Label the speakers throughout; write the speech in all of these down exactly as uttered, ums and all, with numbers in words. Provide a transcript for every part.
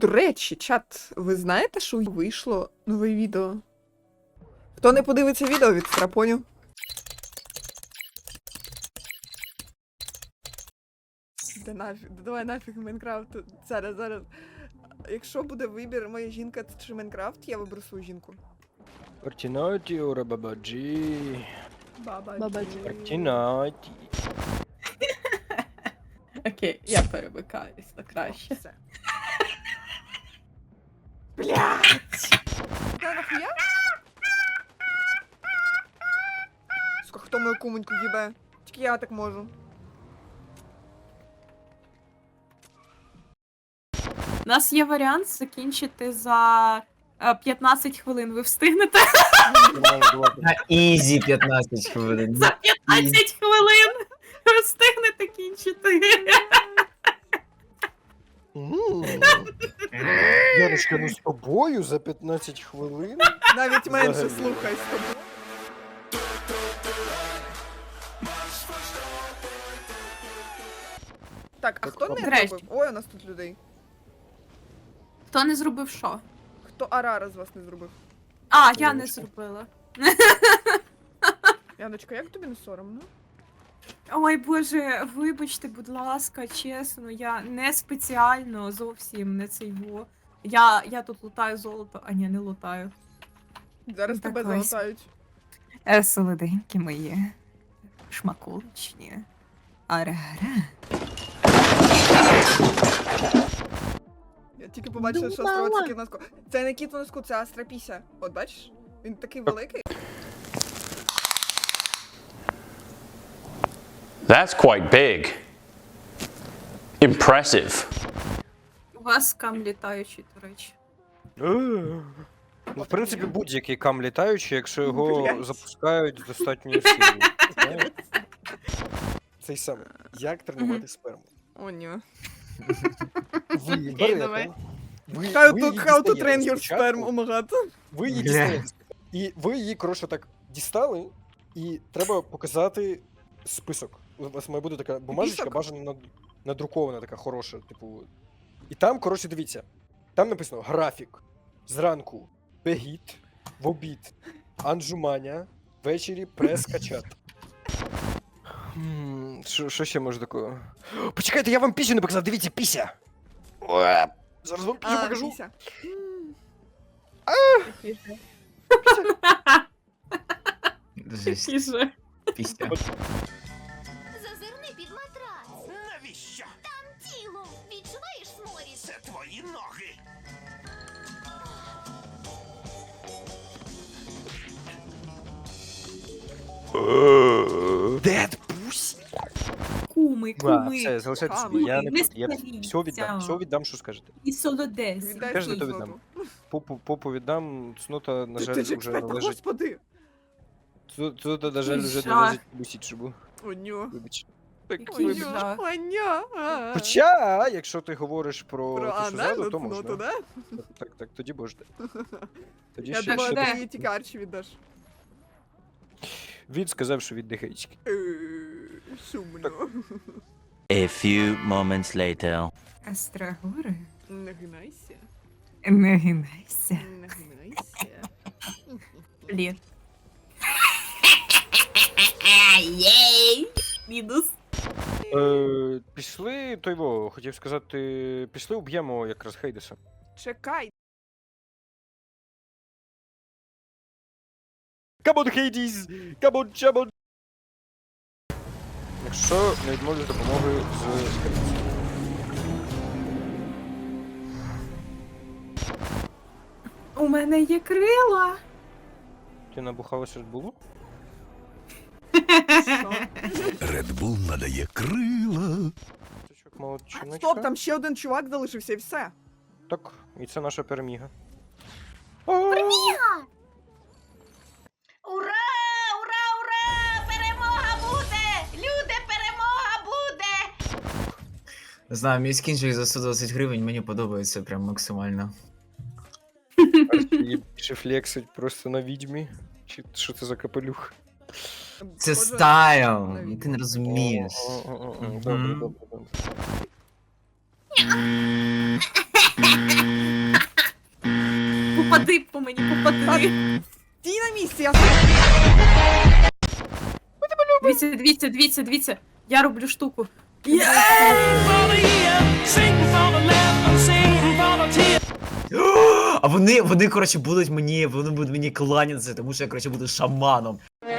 Speaker 1: До речі, чат, ви знаєте, що вийшло нове відео? Хто не подивиться відео від Страпоню? Да нафіг, да давай нафіг Майнкрафт. Зараз, зараз. Якщо буде вибір, моя жінка чи Майнкрафт, я виберу свою жінку.
Speaker 2: Фортінаті, ура бабаджі.
Speaker 1: Баба.
Speaker 3: Бабаджі.
Speaker 2: Фортінаті.
Speaker 3: Окей, я перемикаюсь на краще.
Speaker 1: Все. Блядь! Та нахуя? Сука, хто мою кумоньку їбе? Тільки я так можу.
Speaker 3: У нас є варіант закінчити за е, п'ятнадцять хвилин. Ви встигнете?
Speaker 4: На ізі п'ятнадцять хвилин.
Speaker 3: За п'ятнадцять хвилин! Ви встигнете кінчити.
Speaker 2: Яночка, ну з тобою за п'ятнадцять хвилин?
Speaker 1: Навіть менше
Speaker 2: Взагалі.
Speaker 1: слухай з тобою. Так, а хто не
Speaker 3: Нарешті.
Speaker 1: зробив? Ой, у нас тут людей.
Speaker 3: Хто не зробив що?
Speaker 1: Хто Арара з вас не зробив?
Speaker 3: А, я не
Speaker 2: Яночка.
Speaker 3: зробила.
Speaker 1: Яночка, як тобі не соромно?
Speaker 3: Ой, боже, вибачте, будь ласка, чесно, я не спеціально зовсім не цей во. Я, я тут лутаю золото, а ні, не лутаю.
Speaker 1: Зараз
Speaker 3: Так
Speaker 1: тебе
Speaker 3: ось.
Speaker 1: залатають.
Speaker 3: Е, солоденькі мої. Шмакуличні. Ара-ара.
Speaker 1: Я тільки побачила, що островець в носку. Це не кіт в носку, це Астрапіся. От бачиш? Він такий великий.
Speaker 5: That's quite big. Impressive.
Speaker 3: У вас кам літаючий, до речі.
Speaker 2: Ну, в принципі, будь-який кам літаючий, якщо його
Speaker 1: Блядь.
Speaker 2: запускають з достатньою силою. Знаєш? Цей самий. Як тренувати сперму?
Speaker 1: О, ні.
Speaker 2: Ви
Speaker 3: давай.
Speaker 2: берете. Ви,
Speaker 1: How
Speaker 2: ви
Speaker 1: to,
Speaker 2: її
Speaker 1: how to
Speaker 2: дістаєте
Speaker 1: train your
Speaker 2: спочатку,
Speaker 1: sperm, oh my god.
Speaker 2: Ви її
Speaker 4: Бля.
Speaker 2: дістаєте. І ви її, коротше, так дістали, і треба показати список. У вас має бути така бумажечка,
Speaker 1: Список?
Speaker 2: бажано над- надрукована, така хороша, типу. І там, коротше, дивіться. Там написано графік. Зранку бегіт, в обід, анжуманя, ввечері прес-качат. М, Що що ще може такого? Почекайте, я вам пісню не показав, дивіться, піся! Уе, Зараз вам пісню
Speaker 1: А,
Speaker 2: покажу.
Speaker 1: Піся.
Speaker 4: Жесть,
Speaker 3: Тише.
Speaker 4: пісня.
Speaker 6: Зазирни під матрац.
Speaker 7: Навіщо?
Speaker 6: Там тіло. Відчуваєш сморід?
Speaker 7: Це твої ноги.
Speaker 2: Дед пусі!
Speaker 3: Куми,
Speaker 2: Да,
Speaker 3: куми.
Speaker 2: все, залишайте
Speaker 1: Ками.
Speaker 2: собі, я не
Speaker 3: Не
Speaker 2: буду. Я
Speaker 3: старіться.
Speaker 2: все віддам, все віддам, що скажете.
Speaker 3: І солодець.
Speaker 1: Віддай
Speaker 2: Теж
Speaker 1: свою
Speaker 2: не то
Speaker 1: злоту.
Speaker 2: віддам. Попу, попу віддам, цнота, на
Speaker 1: Ти-
Speaker 2: жаль,
Speaker 1: ти ж
Speaker 2: вже
Speaker 1: експерт,
Speaker 2: належить.
Speaker 1: господи.
Speaker 2: Цно- Цнота, на жаль, вже
Speaker 3: Жах.
Speaker 2: належить бусічубу.
Speaker 1: О, ньо.
Speaker 2: Вибач.
Speaker 3: Який
Speaker 1: О,
Speaker 3: жах.
Speaker 1: ньо. О, ньо. А.
Speaker 2: Хоча, якщо ти говориш про,
Speaker 1: Про
Speaker 2: те, що
Speaker 1: анальну
Speaker 2: ззаду, то
Speaker 1: цноту,
Speaker 2: можна.
Speaker 1: да?
Speaker 2: Так, так, так, тоді можна. Тоді
Speaker 1: Я
Speaker 2: ще,
Speaker 1: думала,
Speaker 2: ще
Speaker 3: де?
Speaker 1: ти її тільки Арчі віддаш.
Speaker 2: Він сказав, що від дихаєчки.
Speaker 1: Е, Сумно.
Speaker 8: A few moments later.
Speaker 3: Астрагори.
Speaker 1: Не гинайся.
Speaker 3: Не гинайся.
Speaker 1: Не гинайся.
Speaker 3: Блін. Єй! Мінус.
Speaker 2: Е, пішли, той во, хотів сказати, пішли уб'ємо якраз Хейдеса.
Speaker 1: Чекай.
Speaker 2: Камон, Хейдіс! Камон, чамон! Якщо не відмовлю допомоги з
Speaker 3: У мене є крила.
Speaker 2: Ти набухалася Red Bull?
Speaker 1: Що?
Speaker 7: Red Bull надає крила.
Speaker 2: Цючок молодчиночка.
Speaker 1: Стоп, там ще один чувак залишився і все.
Speaker 2: Так, і це наша переміга.
Speaker 6: Ура! Ура! Ура! Перемога буде! Люди, перемога буде!
Speaker 4: Не знаю, мій скінчик за сто двадцять гривень, мені подобається прям максимально.
Speaker 2: Її більше флексить просто на відьмі. Чи що це за капелюх?
Speaker 4: Це
Speaker 1: Схоже
Speaker 4: стайл,
Speaker 1: на відьму.
Speaker 4: ти не розумієш.
Speaker 2: О, о, о, о,
Speaker 4: Мгм.
Speaker 2: Добре, добре, добре.
Speaker 3: попади по мені, попади.
Speaker 1: Стій на місці, я
Speaker 3: Дивіться, дивіться, дивіться, дивіться. Я роблю штуку.
Speaker 4: А вони, вони, коротше, будуть мені, вони будуть мені кланятися, тому що я, коротше, буду шаманом.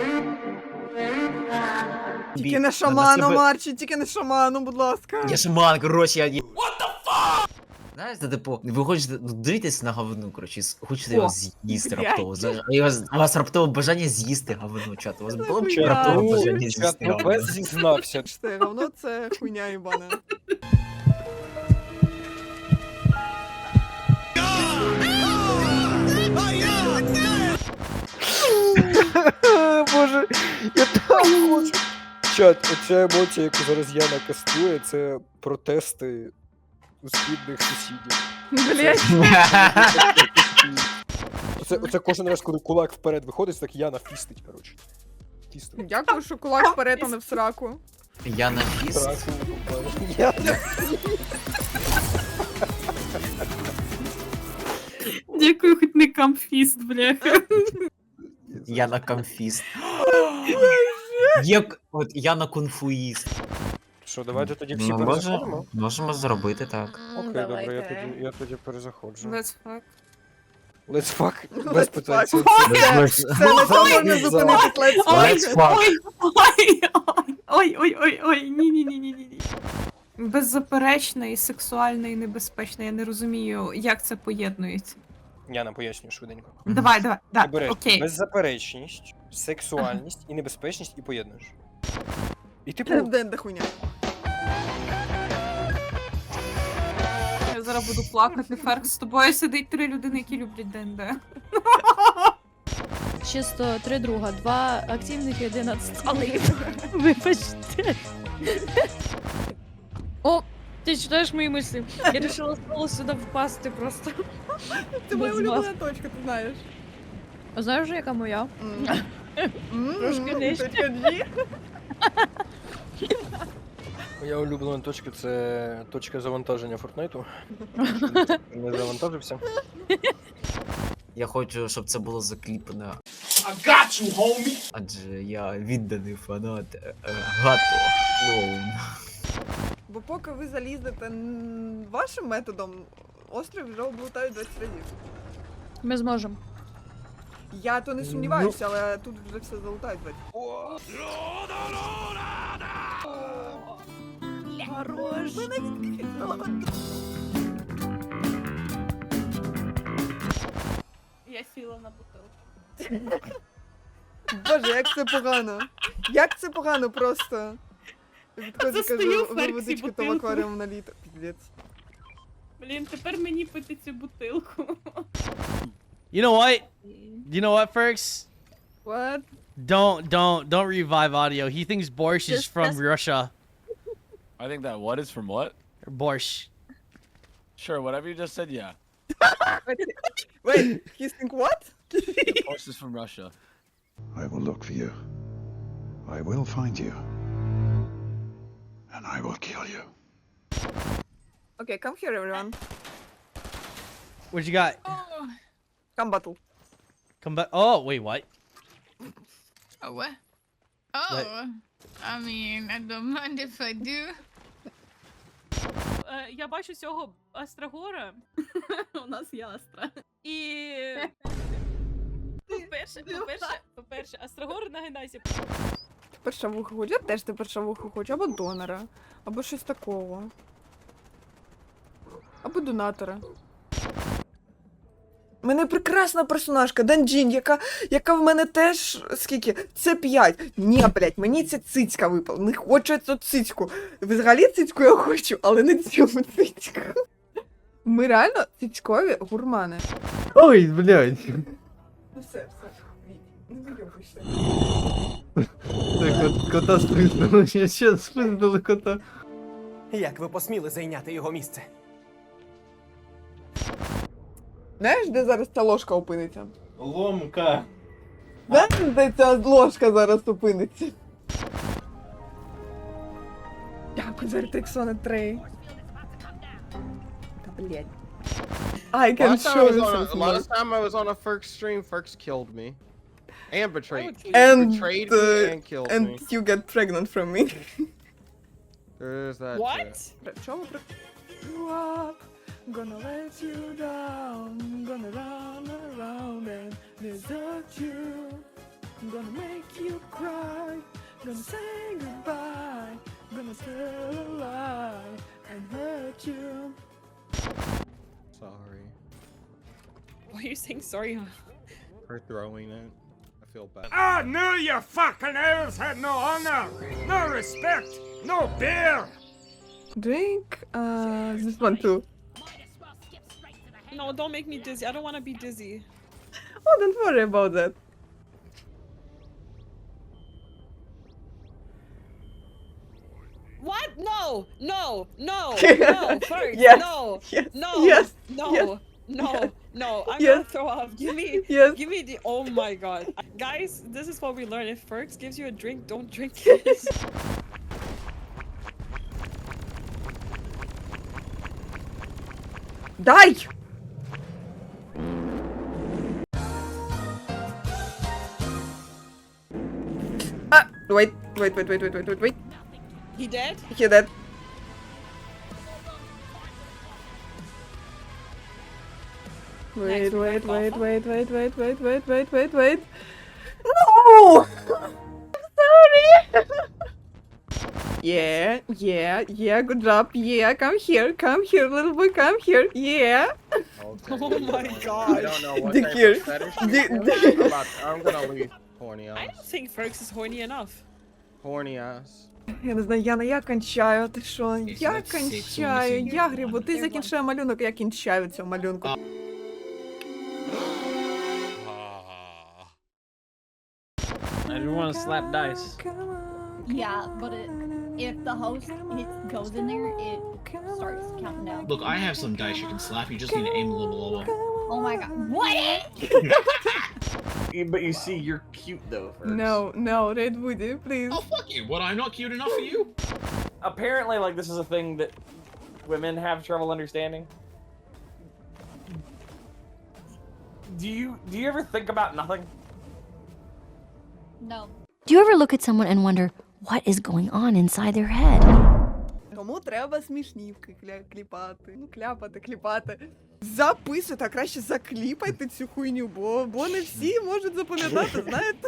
Speaker 1: Тільки
Speaker 4: Бі-
Speaker 1: не
Speaker 4: на
Speaker 1: шаманом,
Speaker 4: себе-
Speaker 1: Арчі, тільки не шаманом, будь ласка.
Speaker 4: Я шаман, коротше, я... What the fuck? Знаєте, типу, ви хочете, ну, дивитесь на говно, коротше, с- хочете
Speaker 3: О,
Speaker 4: його з'їсти
Speaker 1: блядь.
Speaker 4: раптово. Зна- У вас, у вас раптово бажання з'їсти говно, чат. У вас було б
Speaker 1: Нахуя?
Speaker 4: раптово
Speaker 2: Ну,
Speaker 4: бажання
Speaker 2: чат,
Speaker 4: з'їсти
Speaker 2: ну
Speaker 4: говно.
Speaker 2: без зізнався.
Speaker 1: Це говно, це хуйня їбана.
Speaker 2: Боже, я так хочу. Чат, оця емоція, яку зараз Яна кастує, це протести у східних сусідів.
Speaker 1: Блять.
Speaker 2: Оце, оце кожен раз, коли кулак вперед виходить, так Яна фістить, коротше. Фістить.
Speaker 1: Дякую, що кулак вперед, а не в сраку.
Speaker 4: Я на фіст.
Speaker 2: Сраку, Яна.
Speaker 3: Дякую, хоч не камфіст, бляха.
Speaker 4: Я на камфіст. Як, от я на кунфуїст.
Speaker 2: Що, давайте тоді всі
Speaker 4: Ну, може,
Speaker 2: перезаходимо?
Speaker 4: можемо зробити так.
Speaker 2: Окей, добре, я тоді, я тоді перезаходжу.
Speaker 3: Let's fuck.
Speaker 2: Let's fuck.
Speaker 1: Let's
Speaker 2: Без питань.
Speaker 1: fuck.
Speaker 2: Це-
Speaker 1: Це на цьому можна зупинитись, let's
Speaker 3: Ой,
Speaker 4: Let's fuck.
Speaker 3: ой, ой, ой, ой, ой, ой, ні, ні, ні, ні, ні. Беззаперечно і сексуально і небезпечно. Я не розумію, як це поєднується.
Speaker 2: Яна, пояснюю швиденько.
Speaker 3: Давай, давай,
Speaker 2: Ти
Speaker 3: да,
Speaker 2: береш
Speaker 3: окей.
Speaker 2: беззаперечність, сексуальність і небезпечність і поєднуєш. І типу,
Speaker 1: Денда хуйня.
Speaker 3: Я зараз буду плакати, Ферк. З тобою сидить три людини, які люблять ДНД.
Speaker 9: Чисто три друга, два активних і один отсталий. Вибачте. О, ти читаєш мої мислі. Я вирішила знову сюди впасти просто.
Speaker 1: Це моя
Speaker 9: Без
Speaker 1: улюблена точка, ти знаєш.
Speaker 9: А знаєш, яка моя?
Speaker 1: М. М,
Speaker 9: Трошки нижче.
Speaker 1: точка G.
Speaker 2: моя улюблена точка це точка завантаження Фортнайту. Не завантажився.
Speaker 4: Я хочу, щоб це було закліпано.
Speaker 7: I got you, homie!
Speaker 4: Адже я відданий фанат е, е, Гато Клоун.
Speaker 1: Бо поки ви залізете н- вашим методом, острів вже облутають двадцять разів.
Speaker 9: Ми зможемо.
Speaker 1: Я то не сумніваюся, але тут вже все залутають двадцять.
Speaker 9: Хорош.
Speaker 3: Я сіла на бутилку.
Speaker 1: Боже, як це погано. Як це погано просто. Відходжу,
Speaker 3: Застаю
Speaker 1: кажу,
Speaker 3: в
Speaker 1: ви
Speaker 3: Ферксі
Speaker 1: водичку то в
Speaker 3: бутилку.
Speaker 1: акваріум наліто. Піздець.
Speaker 3: Блін, тепер мені пити цю бутилку.
Speaker 10: You know what? You know what, Ferks?
Speaker 1: What?
Speaker 10: Don't don't don't revive audio. He thinks borscht is
Speaker 9: Just
Speaker 10: from
Speaker 9: press-
Speaker 10: Russia.
Speaker 5: I think that what is from what?
Speaker 10: Borscht.
Speaker 5: Sure, whatever you just said, yeah.
Speaker 1: Wait, he think what?
Speaker 5: Yeah, Borscht is from Russia.
Speaker 7: I will look for you. I will find you. And I will kill you.
Speaker 1: Okay, come here everyone.
Speaker 10: What you got?
Speaker 1: Come battle.
Speaker 10: Come back. Oh wait, what?
Speaker 11: Oh, what? Oh, I mean, I don't mind if I do.
Speaker 3: Е, Я бачу цього Астрагора. У нас є Астра. І... По-перше, по-перше, по-перше, Астрагор нагинайся.
Speaker 1: Тепер шавуху хочу, я теж тепер шавуху хочу, або донора, або щось такого. Або донатора. У мене прекрасна персонажка, Данджін, яка, яка в мене теж, скільки, це п'ять. Ні, блядь, мені ця цицька випала, не хочу я цю цицьку. Взагалі цицьку я хочу, але не цю цицьку. Ми реально цицькові гурмани.
Speaker 10: Ой, блядь.
Speaker 1: Ну все, все, не вийобуйся.
Speaker 10: Так, кота спиздили. Я ще спиздили кота.
Speaker 12: Як ви посміли зайняти його місце?
Speaker 1: Знаєш, де зараз ця ложка опиниться?
Speaker 10: Ломка.
Speaker 1: Знаєш, де ця ложка зараз опиниться? Дякую за ретексони три. Та блять. I can
Speaker 13: Last time I
Speaker 1: show
Speaker 13: was
Speaker 1: you
Speaker 13: on
Speaker 1: some
Speaker 13: a,
Speaker 1: smart.
Speaker 13: last time I was on a Ferk stream, Ferks killed me. And betrayed.
Speaker 1: And,
Speaker 13: betrayed
Speaker 1: uh,
Speaker 13: me and killed
Speaker 1: And
Speaker 13: me.
Speaker 1: you get pregnant from me.
Speaker 13: There is that.
Speaker 3: What?
Speaker 1: Чому при... You up, gonna let you down, gonna run around and desert you, gonna make you cry, gonna say goodbye, gonna tell a lie and hurt you.
Speaker 13: Sorry
Speaker 3: Why are you saying sorry?
Speaker 13: for throwing it. I feel bad.
Speaker 12: I knew you fucking elves had no honor, no respect, no beer.
Speaker 1: Drink, uh, this one too.
Speaker 3: No, don't make me dizzy. I don't want to be dizzy.
Speaker 1: Oh, don't worry about that.
Speaker 3: What? No, no, no, no, first,
Speaker 1: Yes,
Speaker 3: no,
Speaker 1: yes,
Speaker 3: no,
Speaker 1: yes,
Speaker 3: no,
Speaker 1: yes,
Speaker 3: no,
Speaker 1: yes,
Speaker 3: no, I'm
Speaker 1: yes,
Speaker 3: gonna throw up. Give me,
Speaker 1: yes.
Speaker 3: give me the, oh my god. Guys, this is what we learn. If Ferks gives you a drink, don't drink it.
Speaker 1: Дай! Ah, wait, wait, wait, wait, wait, wait, wait, wait.
Speaker 3: He dead?
Speaker 1: He dead. Wait,
Speaker 3: Next, we
Speaker 1: wait,
Speaker 3: got
Speaker 1: wait,
Speaker 3: Buffa.
Speaker 1: wait, wait, wait, wait, wait, wait, wait, wait. No! Sorry! Yeah, yeah, yeah, good job. Yeah, come here, come here, little boy, come here. Yeah.
Speaker 13: Okay.
Speaker 3: Oh my
Speaker 13: I
Speaker 3: god.
Speaker 13: don't know what
Speaker 1: Dick
Speaker 13: type
Speaker 1: here.
Speaker 13: of fetish you
Speaker 1: Dick-
Speaker 13: have.
Speaker 1: dick.
Speaker 13: I'm, about, I'm gonna leave. Horny
Speaker 3: I
Speaker 13: ass.
Speaker 3: don't think Ferks is horny enough.
Speaker 13: Horny ass.
Speaker 1: Я не знаю, Яна, я кончаю, ти що? Я
Speaker 4: like six
Speaker 1: кончаю,
Speaker 4: women
Speaker 1: я
Speaker 4: in
Speaker 1: грибу,
Speaker 4: one.
Speaker 1: ти закінчує малюнок, я кінчаю цього малюнку.
Speaker 10: I just want to slap dice.
Speaker 9: Yeah, but it, if the host hits, goes in there, it starts counting down.
Speaker 4: Look, I have some dice you can slap. You just need to aim a little lower.
Speaker 9: Oh my god. What?
Speaker 12: But you see, you're cute though. First.
Speaker 1: No, no, Red Woody, please.
Speaker 4: Oh fuck you! What? I'm not cute enough for you?
Speaker 12: Apparently, like this is a thing that women have trouble understanding. Do you do you ever think about nothing?
Speaker 9: No.
Speaker 14: Do you ever look at someone and wonder what is going on inside their head?
Speaker 1: Тому треба смішнівки кля- кліпати. Ну, кляпати, кліпати. Записуйте, а краще закліпайте цю хуйню, бо, бо не всі можуть запам'ятати, знаєте?